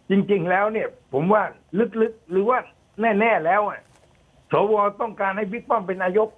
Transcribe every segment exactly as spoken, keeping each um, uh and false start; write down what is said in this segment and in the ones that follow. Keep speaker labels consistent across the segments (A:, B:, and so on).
A: จริงๆแล้วเนี่ย ผมว่าลึกๆหรือว่าแน่ๆแล้วอ่ะสวต้องการให้บิ๊กป้อมเป็นนายก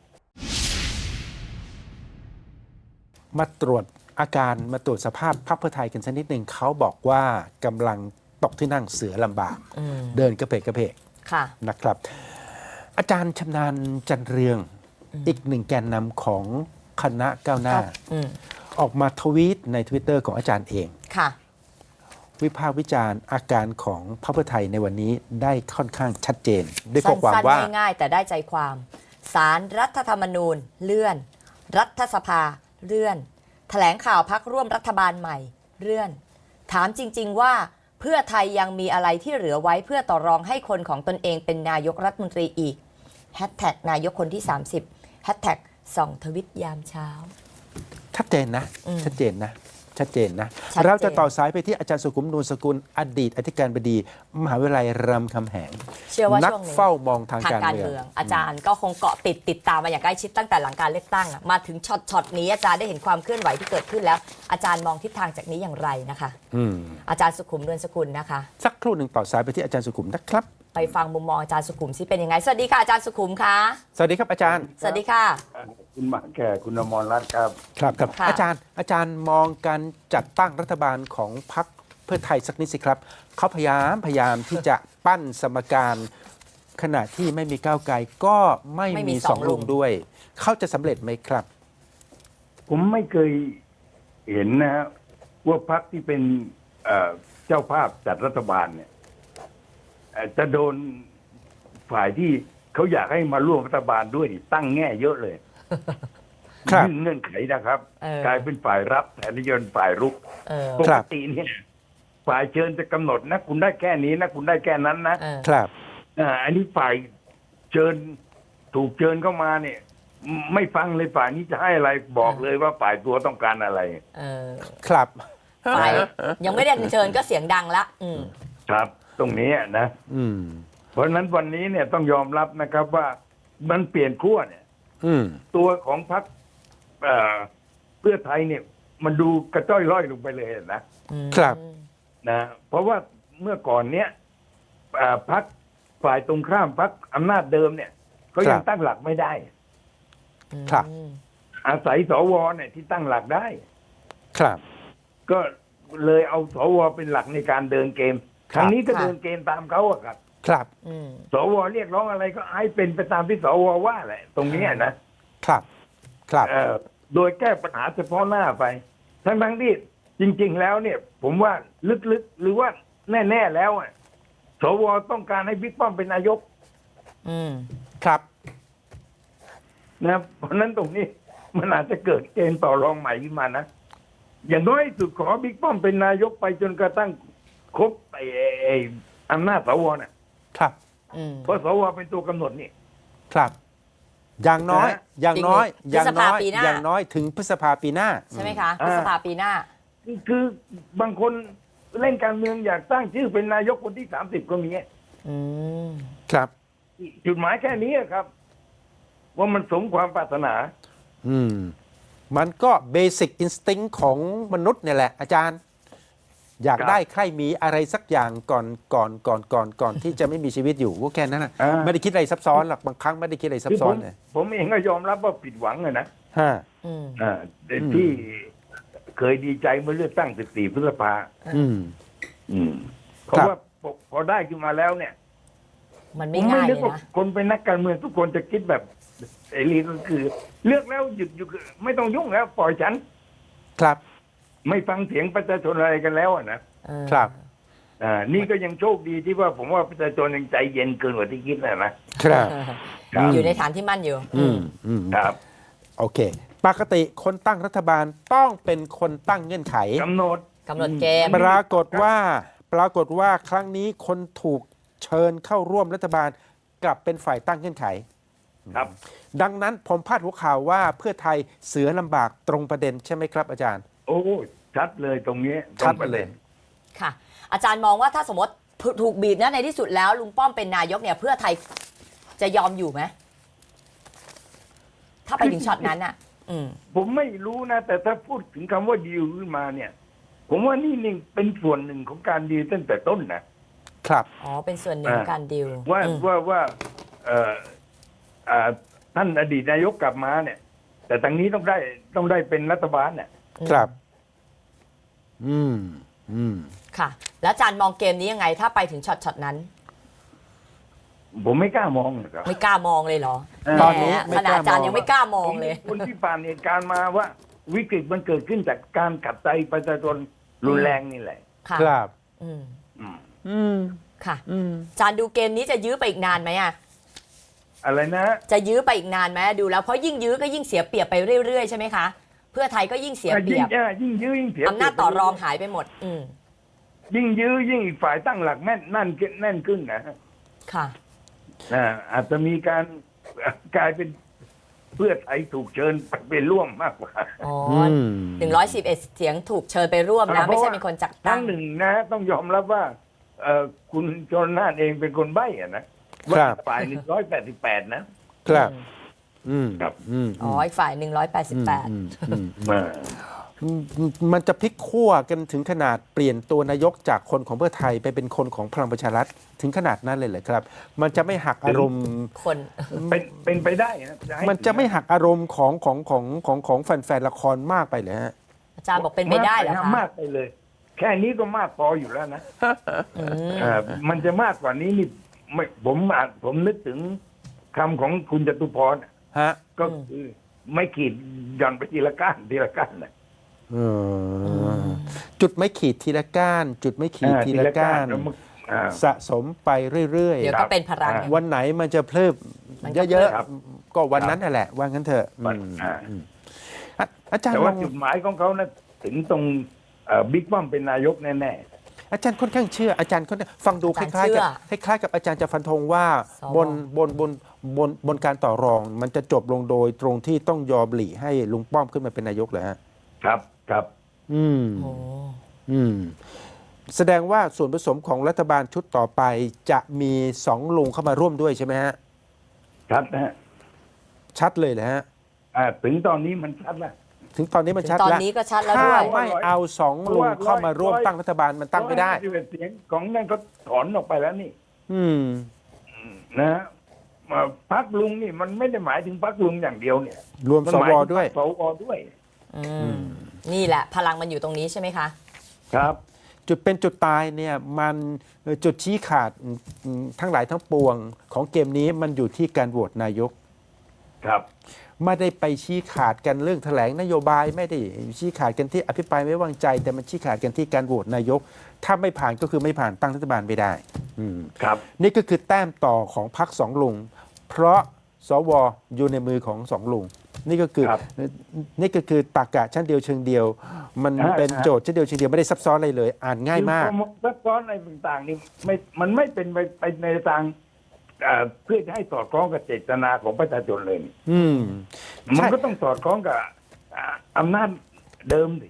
B: มาตรวจอาการมาตรวจสภาพพรรคเพื่อไทยกันสักนิดหนึ่งเขาบอกว่ากำลังตกที่นั่งเสือลำบาก เดินกระเพกกระเพก
C: ค่ะ
B: นะครับ อาจารย์ชำนาญจันเรืองอีกหนึ่งแกนนำของคณะก้าวหน้า
C: อืม
B: ออกมาทวีตใน ทวิตเตอร์ ของอาจารย์เอง
C: ค่ะ
B: วิพากษ์วิจารณ์อาการของพรรคเพื่อไทยในวันนี้ได้ค่อนข้างชัดเจน ด้วยข้อความ
C: สั้น
B: ว่า
C: ๆง่ายๆแต่ได้ใจความศาลรรัฐธรรมนูญเลื่อน รัฐสภาเลื่อน แถลงข่าวพักร่วมรัฐบาลใหม่เลื่อน ถามจริงๆว่าเพื่อไทยยังมีอะไรที่เหลือไว้เพื่อต่อรองให้คนของตนเองเป็นนายกรัฐมนตรีอีกแฮชแท็กนายกคนที่สามสิบแฮชแท็กส่องทวิตยามเช้า
B: ชัดเจนนะ
C: อืม
B: ชัดเจนนะ ชัดเจนนะ
C: ชัดเจน
B: เราจะต่อสายไปที่อาจารย์สุขุมนูนสกุลอดีตอธิการบดีมหาวิทยาลัยรามคำแหง
C: เชื่อว่า
B: นัก
C: ช่วงนี้
B: เฝ้ามองทาง
C: ทาง
B: การ
C: การ
B: เมือง
C: เมือง อาจารย์ก็คงเกาะติดติดตามมาอย่างใกล้ชิดตั้งแต่หลังการเลือกตั้งอะมาถึงช็อตช็อตนี้อาจารย์ได้เห็นความเคลื่อนไหวที่เกิดขึ้นแล้ว อาจารย์มองทิศทางจากนี้อย่างไรนะคะ
B: อืม
C: อาจารย์สุขุมนวลสกุลนะคะ
B: สักครู่หนึ่งต่อสายไปที่อาจารย์สุขุมนะครับ
C: ไปฟังมุมมองอาจารย์สุขุมซิเป็นยังไงสวัสดีค่ะอาจารย์สุขุมคะ
B: สวัสดีครับอาจารย์
C: สวัสดีค่ะ
A: คุณหมาแก่คุณอมรรัตน์ครับ
B: ครับครับ
C: ค่ะ
B: อาจารย์อาจารย์มองการจัดตั้งรัฐบาลของพรรคเพื่อไทยสักนิดสิครับเขาพยายามพยายามที่จะปั้นสมการขณะที่ไม่มีก้าวไกลก็ไม่
C: ไม่มี
B: มี
C: ส
B: ส
C: อ
B: อง ง
C: ลุ
B: ลุ
C: ง
B: งด้วย เขาจะสำเร็จไหมครับ
A: ผมไม่เคยเห็นนะฮะว่าพรรคที่เป็นเอ่อเจ้าภาพจัดรัฐบาลเนี่ยเอ่อจะโดนฝ่ายที่เขาอยากให้มาร่วมรัฐบาลด้วยนี่ตั้งแง่เยอะเลย
B: ครับ
A: ยื่นเงื่อนไขนะครับ
C: เออ
A: กลายเป็นฝ่ายรับแทนที่จะเป็นฝ่ายรุก
C: เออ
A: ป
B: ครั
A: ก
B: บ
A: ติเนี่ยฝ่ายเชิญจะกำหนดนะ คุณได้แค่นี้นะคุณได้แค่นั้นนะ
C: เออ
B: ครับ
A: อ่าอันนี้ฝ่ายเชิญถูกเชิญเข้ามาเนี่ย ไม่ฟังเลยฝ่ายนี้จะให้อะไรบอกเลยว่าฝ่ายตัวต้องการอะไร
C: เออ
B: ครับ
C: ฝ่ายยังไม่ได้เชิญก็เสียงดังละอืม
A: ครับ ตรงนี้นะ
B: อืม
A: เพราะฉะนั้นวันนี้เนี่ยต้องยอมรับนะครับว่ามันเปลี่ยนขั้วเนี่ย
B: อืม
A: ตัวของพรรคเอ่อเพื่อไทยเนี่ย มันดูกระจ้อยร่อยลงไปเลยนะ
B: ครับ
A: นะเพราะว่าเมื่อก่อนเนี้ยเอ่อพรรคฝ่ายตรงข้ามพรรคอำนาจเดิมเนี่ยเขายังตั้งหลักไม่ได้
B: ครับ
A: อาศัยสวเนี่ยที่ตั้งหลักได้
B: ครับ
A: ก็เลยเอาสวเป็นหลักในการเดินเกม
B: ค
A: ครับ รั้งนี้ก็เดินเกมตามเขาอะครับ
B: ครับ
C: อืม
A: สวเรียกร้องอะไรก็ให้เป็นไปตามที่สวว่าแหละ ตรงนี้นะครับ
B: ครับ
A: เอ่อโดยแก้ปัญหาเฉพาะหน้าไป ทั้งทั้งๆที่จริง ๆ แล้วเนี่ย ผมว่าลึกๆหรือว่าแน่ๆแล้วอะสวต้องการให้บิ๊กป้อมเป็นนายก
C: อืม
B: ครับ
A: นะครับเพราะฉะนั้นตรงนี้มันอาจจะเกิดเกณฑ์ต่อรองใหม่ขึ้นมานะ อย่างน้อยสุดขอบิ๊กป้อมเป็นนายกไปจนกระทั่งครบไอ้ไอ้อำนาจสวน่ะ
B: ครับ
C: อืม
A: เพราะสวเป็นตัวกำหนดนี่
B: ครับ อย่างน้อย
A: นะ
B: อย่างน้อย
C: จริงๆ
B: อย่างน้อย
C: พฤษภาปีหน้า
B: อย่างน้อยถึงพฤษภาปีหน้า
C: ใช่ไหมคะพฤษภาปีหน้า
A: คือคือบางคนเล่นการเมืองอยากตั้งชื่อเป็นนายกคนที่สามสิบก็มี
C: อืม
B: ครับ
A: จุดหมายแค่นี้ครับ ว่ามันสมความปรารถนา
B: อืม มันก็เบสิ c อินสติ้งของมนุษย์เนี่ยแหละ อาจารย์ อยาก
A: ครับ
B: ได้ใครมีอะไรสักอย่างก่อนก่อนก่อนก่อนก่อนที่จะไม่มีชีวิตอยู่ก็แค่นั้นนะ
A: อ่า
B: ไม่ได้คิดอะไรซับซ้อนหรอกบางครั้งไม่ได้คิดอะไรซับ
A: คือ
B: ซ้
A: ผ
B: อน
A: ม
B: เลย
A: ผมเองก็ยอมรับว่าผิดหวังอะนะ
B: ฮะ
C: อืม
A: อ่าแต่
B: อืม
A: ที่เคยดีใจเมื่อเลือกตั้งสิบสี่พฤษภา
B: อืม
A: อืมเพราะ
B: ครับ
A: ว่าพอพอได้ขึ้นมาแล้วเนี่ย
C: มัน
A: ผ
C: ไม่
A: มไม่
C: ง่าย
A: นึ
C: เล
A: ก
C: ย
A: ว่า
C: นะ
A: คนเป็นนักการเมืองทุกคนจะคิดแบบเสรีก็คือ เลือกแล้วหยุดหยุดไม่ต้องยุ่งแล้ว ปล่อยฉัน
B: ครับ
A: ไม่ฟังเสียงประชาชนอะไรกันแล้วอะนะ
C: เออ
B: ครับ
A: อ่านี่ก็ยังโชคดีที่ว่าผมว่าประชาชนยังใจเย็นเกินกว่าที่คิดนะนะ
B: ครับ
A: ครับ
C: อยู่ในฐานที่มั่นอยู่
B: อืมอืม
A: ครับ
B: โอเค ปกติคนตั้งรัฐบาลต้องเป็นคนตั้งเงื่อนไข
A: กำหนด
C: กำหนดเกม
B: ปรากฏว่าปรากฏว่าครั้งนี้คนถูกเชิญเข้าร่วมรัฐบาลกลับเป็นฝ่ายตั้งเงื่อนไข
A: ครับ
B: ดังนั้นผมพาดหัวข่าวว่าเพื่อไทยเสือลำบากตรงประเด็นใช่ไหมครับอาจารย์
A: โอ้ชัดเลยตรงนี้
B: ชัด
A: ตรงประ
B: เล
A: ด็
B: ย
A: น
C: ค่ะ อาจารย์มองว่าถ้าสมมติถูกบีบนะในที่สุดแล้วลุงป้อมเป็นนายกเนี่ยเพื่อไทยจะยอมอยู่ไหมถ้าไปถึงช็อตนั้นอ่ะ อืม
A: ผมไม่รู้นะ แต่ถ้าพูดถึงคำว่าดีลขึ้นมาเนี่ย ผมว่านี่นี่เป็นส่วนหนึ่งของการดีลตั้งแต่ต้นนะ
B: ครับ
C: อ๋อเป็นส่วนหนึ่งของการดิว
A: ว่า
C: อืม
A: ว่าว่าเอ่ออ่าท่านอดีตนายกกลับมาเนี่ย แต่ทางนี้ต้องได้ต้องได้เป็นรัฐบาลเนี่ย
B: ครับ อืม อืม
C: ค่ะ แล้วอาจารย์มองเกมนี้ยังไง ถ้าไปถึงช็อตช็อตนั้น
A: ผมไม่กล้ามองนะครับ
C: ไม่กล้ามองเลยเหรอ
A: เออ
B: ตอนนี้
C: แหม
B: ไม่
C: ข
B: ก
C: นาด
B: ล้ามอง
C: อาจารย์ยังไม่กล้ามองเลย
A: ผมคนที่ผ่านเหตุการณ์มาว่า วิกฤตมันเกิดขึ้นจากการขัดใจประชาชนรุนแรงนี่แหละ
C: ค่ะ
B: ครับ
C: อืม
A: อืม
B: อืม
C: ค่ะ
B: อืม
C: อาจารย์ดูเกมนี้จะยื้อไปอีกนานไหมอ่ะ
A: อะไรนะ
C: จะยื้อไปอีกนานไหมดูแล้วเพราะยิ่งยื้อก็ยิ่งเสียเปรียบไปเรื่อยๆใช่ไหมคะ เพื่อไทยก็ยิ่งเสียเปรี
A: ยิ่
C: ย
A: ง
C: บ
A: เอ่อยิ่งยื้อยิ่งเสีย
C: อำนาจต่อรองหายไปหมด อืม
A: ยิ่งยื้อยิ่งอีกฝ่ายตั้งหลักแน่นนั่นแน่นขึ้นนะ
C: ค่ะ
A: อ่าอาจจะมีการกลายเป็นเพื่อไทยถูกเชิญไปร่วมมากกว่า
C: อ๋อ
B: อืม
C: หนึ่งร้อยสิบเอ็ดเสียงถูกเชิญไปร่วมนะ ไม่ใช่เป็นคนจัด
A: ค
C: ตั้
A: รั้
C: ง
A: งหนึ่งนะ ต้องยอมรับว่าเอ่อคุณชนน่านเองเป็นคนใบ้อะนะ
B: ครั
A: ว่า
B: บ
A: ฝ่ายหนึ่งร้อยแปดสิบแปดนะครับ
B: อืม
A: ครับ
B: อืม
C: อ๋ออีกฝ่ายหนึ่งร้อยแปดสิบแปด
B: อืมอืม
A: มา
B: อืมมันจะพลิกขั้วกันถึงขนาดเปลี่ยนตัวนายกจากคนของเพื่อไทยไปเป็นคนของพลังประชารัฐถึงขนาดนั้นเลยเหรอครับ มันจะไม่หักอารมณ์
C: คน
A: เป็นเป็นไปได้นะให้
B: มันจะไม่หักอารมณ์ของของของของของแฟนๆละครมากไปเลยฮะ
C: อาจารย์บอกเป็นไปได้เหรอคะ
A: มากไปเลย แค่นี้ก็มากพออยู่แล้วนะ
C: อืม
A: เอ่อมันจะมากกว่านี้นี่ไม่ผมอ่านผมนึกถึงคำของคุณจตุพรน่ะ
B: ฮะ
A: ก็คือไม่ขีดหย่อนไปทีละก้านทีละก้านนะ
B: เออจุดไม่ขีดทีละก้าน จุดไม่ขีด
A: อ่า
B: ทีละก้าน
A: แล้วมันอ่า
B: สะสมไปเรื่อย
C: เดี๋ยวก็เป็นพลัง
A: ครับ
B: ๆ วันไหนมันจะเพลิบ
C: มันก็
B: เยอะ
A: ครับ
B: ๆ ก็วันนั้นนั่นแหละ ว่างั้นเถอะอืม
A: อ่า
B: อืมอ่ะอาจารย์
A: แต่
B: ม
A: ว่า
B: อง
A: จุดหมายของเขานะถึงตรงเอ่อบิ๊กป้อมเป็นนายกแน่
B: อาจารย์ค่อนข้างเชื่ออาจารย์ค่อนข้างฟังดูค
C: อาจารย์
B: ล้ายๆกับ
C: เชื่อ
B: คล้ายๆกับอาจารย์จะฟันธงว่า
C: สว
B: บนบนบนบนบนการต่อรอง มันจะจบลงโดยตรงที่ต้องยอมหลีให้ลุงป้อมขึ้นมาเป็นนายกเหรอฮะ
A: ๆ ครับครับ
B: อืม
C: โอ้
B: อืม แสดงว่าส่วนผสมของรัฐบาลชุดต่อไปจะมีสองลุงเข้ามาร่วมด้วยใช่ไหมฮะ
A: ชัดนะฮะ
B: ชัดเลยเหรอฮะ
A: อ่าถึงตอนนี้มันชัดแล้ว
B: ถึงตอนนี้มันชัด
C: ตอน
B: แล้ว
C: นี้ก็ชัดแล้ว
B: ถ้า
C: ด้วย
B: ไม่เอาสองลุงเข้ามาร่วมตั้งรัฐบาลมันตั้งไม่ได้
A: ร้อยห้าสิบเอ็ดเสียงของนั่นก็ถอนออกไปแล้วนี่
B: อืม
A: นะฮะมาพักลุงนี่มันไม่ได้หมายถึงพักลุงอย่างเดียวเนี่ย
B: รวม
A: มัน
B: ส
A: หมายว ถึง
B: ด้วย
A: พรรคสวด้วย
C: อืมนี่แหละ พลังมันอยู่ตรงนี้ใช่ไหมคะ
A: ครับ
B: จุดเป็นจุดตายเนี่ยมันเอ่อจุดชี้ขาดอืมทั้งหลายทั้งปวงของเกมนี้มันอยู่ที่การโหวตนายก
A: ครับ
B: ไม่ได้ไปชี้ขาดกันเรื่องแถลงนโยบายไม่ได้ชี้ขาดกันที่อภิปรายไม่วางใจ แต่มันชี้ขาดกันที่การโหวตนายก ถ้าไม่ผ่านก็คือไม่ผ่านตั้งรัฐบาลไม่ได้อืม
A: ครับ
B: นี่ก็คือแต้มต่อของพรรคสองลุง เพราะสวอยู่ในมือของสองลุง นี่ก็คือ
A: ครับ
B: นี่ก็คือตรรกะชั้นเดียวเชิงเดียว มัน
A: อ่า
B: เป็น
A: ครับ
B: โจทย์ชั้นเดียวเชิงเดียวไม่ได้ซับซ้อนอะไรเลย อ่านง่ายมาก
A: คือซับซ้อนอะไรต่างๆนี่ไม่มันไม่เป็นไปไปในทางเอ่อเพื่อจะให้สอดคล้องกับเจตนาของประชาชนเลยนี่
B: อืม
A: มัน
B: ใช่
A: ก็ต้องสอดคล้องกับอ่าอำนาจเดิมสิ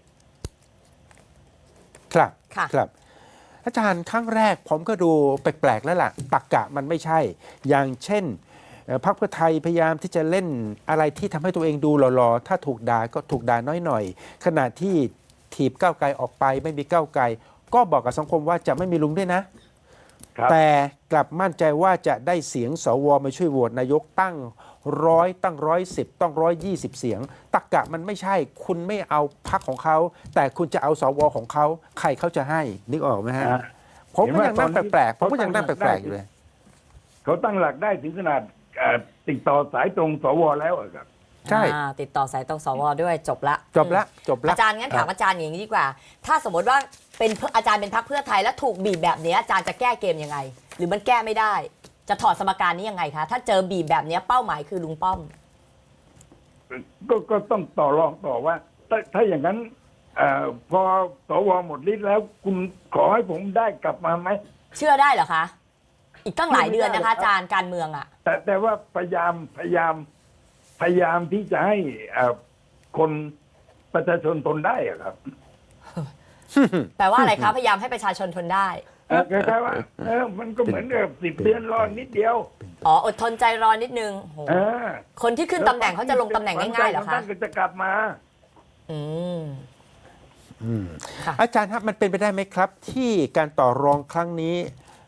B: ครับ
C: ค่ะ
B: ครับ อาจารย์ครั้งแรกผมก็ดูแปลกๆแล้วล่ะตักกะมันไม่ใช่ อย่างเช่นเอ่อพรรคเพื่อไทยพยายามที่จะเล่นอะไรที่ทำให้ตัวเองดูหล่อๆ ถ้าถูกด่าก็ถูกด่าน้อยหน่อย ขณะที่ถีบก้าวไกลออกไปไม่มีก้าวไกล ก็บอกกับสังคมว่าจะไม่มีลุงด้วยนะ
A: ครับ
B: แต่กลับมั่นใจว่าจะได้เสียงสวมาช่วยโหวตนายกตั้งร้อยตั้งร้อยสิบต้องร้อยยี่สิบเสียง ตักกะมันไม่ใช่ คุณไม่เอาพรรคของเขา แต่คุณจะเอาสวของเขา ใครเขาจะให้นึกออกไหมฮะ
A: อ่า
B: ผมก็
A: เห็นว่า
B: ยังนั่ง
A: ตอนนี้
B: แปลกๆผมก็
A: เขาตั้
B: ยัง
A: ง
B: นั่งแป
A: หลั
B: ล
A: ก
B: กๆอยู่เลย
A: เขาตั้งหลักได้ถึงขนาดเอ่อติดต่อสายตรงสวแล้วอะครับ
B: ใช่
C: อ่าติดต่อสายตรงสวด้วยจบละ
B: จบละจบละ
C: อาจารย์งั้นถามอาจารย์อย่างนี้ดีกว่า ถ้าสมมติว่าเป็นอาจารย์เป็นพรรคเพื่อไทยแล้วถูกบีบแบบนี้อาจารย์จะแก้เกมยังไง หรือมันแก้ไม่ได้ จะถอดสมการนี้ยังไงคะถ้าเจอบีบแบบนี้เป้าหมายคือลุงป้อม
A: ก็ก็ต้องต่อรองต่อว่า ถ้าถ้าอย่างนั้นเอ่อพอสวหมดฤทธิ์แล้ว คุณขอให้ผมได้กลับมาไหม
C: เชื่อได้เหรอคะ อีกตั้งหลายเดือนนะคะอาจารย์การเมืองอ่ะ
A: แต่แต่ว่าพยายามพยายามพยายามที่จะให้เอ่อคนประชาชนทนได้อะครับ
C: แปลว่าอะไรคะพยายามให้ประชาชนทนได้
A: เอ่อคล้ายๆว่าเออมันก็เหมือนกับสิบเดือนรอนิดเดียว
C: อ๋ออดทนใจรอนิดนึงโห
A: เออ
C: คนที่ขึ้นตำแหน่งเขาจะลงตำแหน่งง่ายๆเหรอคะ
A: ท่านก็จะกลับมา
C: อืม
B: อืม
C: ค่ะ
B: อาจารย์ครับมันเป็นไปได้ไหมครับ ที่การต่อรองครั้งนี้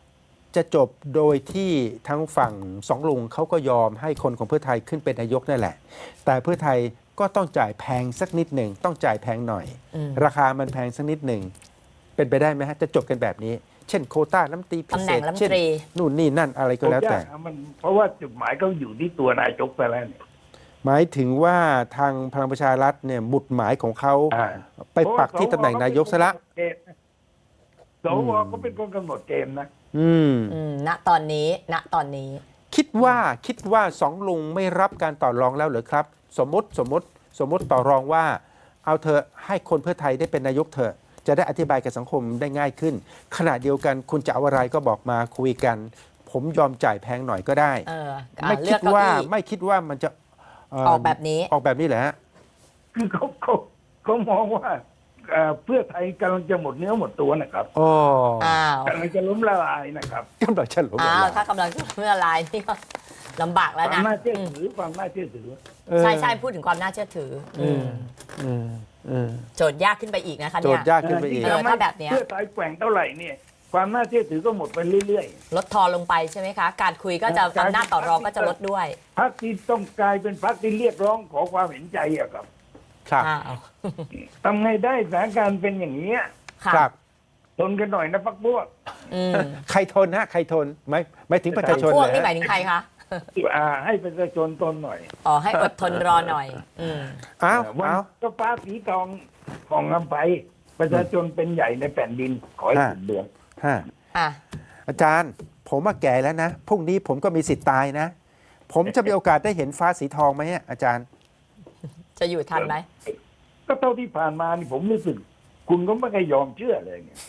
B: จะจบโดยที่ทั้งฝั่งสองลุงเขาก็ยอมให้คนของเพื่อไทยขึ้นเป็นนายกนั่นแหละ แต่เพื่อไทยก็ต้องจ่ายแพงสักนิดหนึ่งต้องจ่ายแพงหน่อย
C: อืม
B: ราคามันแพงสักนิดหนึ่งเป็นไปได้ไหมฮะจะจบกันแบบนี้ เช่นโควต้ารัฐมนตรีพิ
C: ตำแห
B: เศ
C: น่ง
B: ษ
C: รัฐม
B: เช่
C: น
B: น
C: ตรี
B: นู่นนี่นั่นอะไรก็แล้วแต่
A: ยากนะมันเพราะว่าจุดหมายเขาอยู่ที่ตัวนายกไปแล้วเนี่ย
B: หมายถึงว่าทางพลังประชารัฐเนี่ยหมุดหมายของเขา
A: อ่า
B: ไปปักที่ตำแหน่งนายกซะละ
A: สวก็เป็นคนกำหนดเกมนะ
B: อืม
C: อืมณตอนนี้ณตอนนี้
B: คิดว่าคิดว่าสองลุงไม่รับการต่อรองแล้วเหรือครับ สมมติสมมติสมมติต่อรองว่า เอาเธอะให้คนเพื่อไทยได้เป็นนายกเถอะจะได้อธิบายกับสังคมได้ง่ายขึ้น ขณะเดียวกันคุณจะเอาอะไรก็บอกมาคุยกัน ผมยอมจ่ายแพงหน่อยก็ได้
C: เอออ่ะ
B: ไม่
C: เลื
B: คิ
C: อ
B: ด
C: กเก้า
B: ว่า
C: อี้
B: ไม่คิดว่ามันจะเ
C: ออกแบบนี้
B: ออกแบบนี้แหละ
A: คือเขาเขาเขามองว่าเอ่อเพื่อไทยกำลังจะหมดเนื้อหมดตัวนะครับ
B: โอ้
C: อ้าว
A: กำลังจะล้มละลายนะครับ
B: กำลังจะหลง
C: อ้าว
B: ละ
C: ถ้ากำลังจะเมื่อลายนี่ก็ลำบาก
A: ค
C: แล้ว
A: วาม
C: นะ
A: น่าเชื่อ
C: อืม
A: ถือความน่าเชื่อถือ
B: เออ
C: ใช่ใช่พูดถึงความน่าเชื่อถืออ
B: อืมอืมอืม
C: โจทย์ยากขึ้นไปอีกนะคะ
B: โจ
C: เนี่
B: ท
C: ย
B: ย์ยากขึ้นไปอีก
C: เออถ้าแบบเนี้ย
A: เพื่อไทยแกว่งเท่าไหร่เนี่ย ความน่าเชื่อถือก็หมดไปเรื่อย
C: ลดทอนลงไปใช่ไหมคะ การคุยก็จะอำนาจต่อรองก็จะลดด้วย
A: ๆพรรคที่ต้องกลายเป็นพรรคที่เรียกร้องขอความเห็นใจอะครับ
B: ครับ
C: อ้าว
A: ทำไงได้สถานการณ์เป็นอย่างนี้ย
C: ค่ะ
B: ครับ
A: ทนกันหน่อยนะพักพวก
C: อืม
B: ใครทนฮะใครทนไม่ไม่ถึงประชาชน
C: พวก
B: เลย
C: นี่หมาย
B: ฮะ
C: ถึงใครคะ
A: อ่าให้ประชาชนทนหน่อย
C: อ๋อให้อดทนรอหน่อย อืม
B: อ้าว
A: วัน
B: อ้าว
A: ก็ฟ้าสีทองของอำไปประชาชนเป็นใหญ่ในแผ่นดินขอให้
B: ฮะ
A: สุดเดือน
B: ฮะ
C: อ่ะ
B: อาจารย์ ผมมาแก่แล้วนะพรุ่งนี้ผมก็มีสิทธิ์ตายนะ ผมจะมีโอกาสได้เห็นฟ้าสีทองไหมอะอาจารย์
C: จะอยู่ทันไหม
A: ก็เท่าที่ผ่านมานี่ผมรู้สึก คุณก็ไม่เคยยอมเชื่อเลยเนี่ย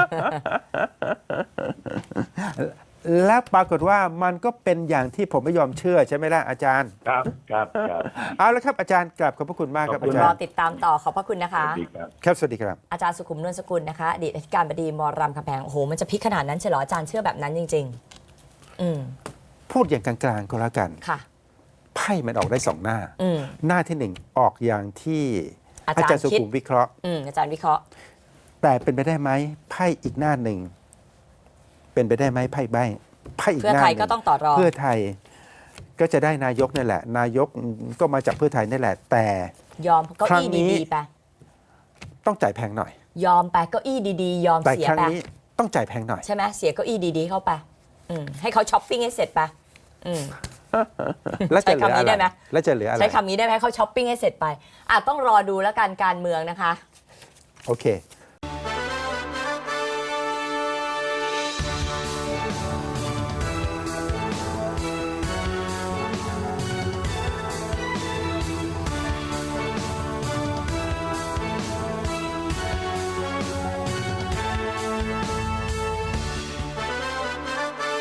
B: และปรากฏว่ามันก็เป็นอย่างที่ผมไม่ยอมเชื่อใช่ไหมล่ะอาจารย์
A: ครับครับครับ
B: เอาละครับอาจารย์กลับขอบพระคุณมากครับ
A: ขอบคุ
B: อา
A: ณ
B: จาร
C: รอ
B: ย์
C: ติดตามต่อขอบพระคุณนะ
A: ส
C: คะ
A: วัสดีครับ
B: ครับสวัสดีครับ
C: อาจารย์สุขุมนวลสกุลนะคะอดีตอธิการบดีมรามคำแพงโอ้โหมันจะพลิกขนาดนั้นใช่เหรออาจารย์เชื่อแบบนั้นจริง ๆ อืม
B: พูดอย่างกลางๆก็แล้วกัน
C: ค่ะ
B: ไพ่มันออกได้สองหน้า
C: อืม
B: หน้าที่หนึ่งออกอย่างที่
C: อา
B: อา
C: จารย์
B: จารย์สุขุม
C: คิด
B: วิเคราะห์
C: อืมอาจารย์วิเคราะห์
B: แต่เป็นไปได้ไหมไพ่อีกหน้าหนึ่งเป็นไปได้ไหมไพ่ใบไพ่อีก
C: เพื่อ
B: หน้า
C: ไท
B: ห
C: ย
B: นึ่ง
C: ก็ต้องต่อรอง
B: เพื่อไทยก็จะได้นายกนั่นแหละ นายกก็มาจากเพื่อไทยนั่นแหละ แต่
C: ยอมเก้า
B: ครั้
C: อี้
B: งนี้
C: ดีๆไป
B: ต้องจ่ายแพงหน่อย
C: ยอมไปเก้าอี้ดีๆ ยอม
B: แต่
C: เสีย
B: ครั้ง
C: ไป
B: นี้ต้องจ่ายแพงหน่อย
C: ใช่ไหมเสียเก้าอี้ดีๆเข้าไป อืมให้เขาช้อปปิ้งให้เสร็จไปอืม
B: แล้วจะเหลือ
C: ใช้คำนี้
B: อะไร
C: ได้ไหม
B: แล้วจะเหลืออะไร
C: ใช้คำนี้ได้ไหมให้เขาช้อปปิ้งให้เสร็จไปอ่ะต้องรอดูแล้วกันการเมืองนะคะ
B: โอเค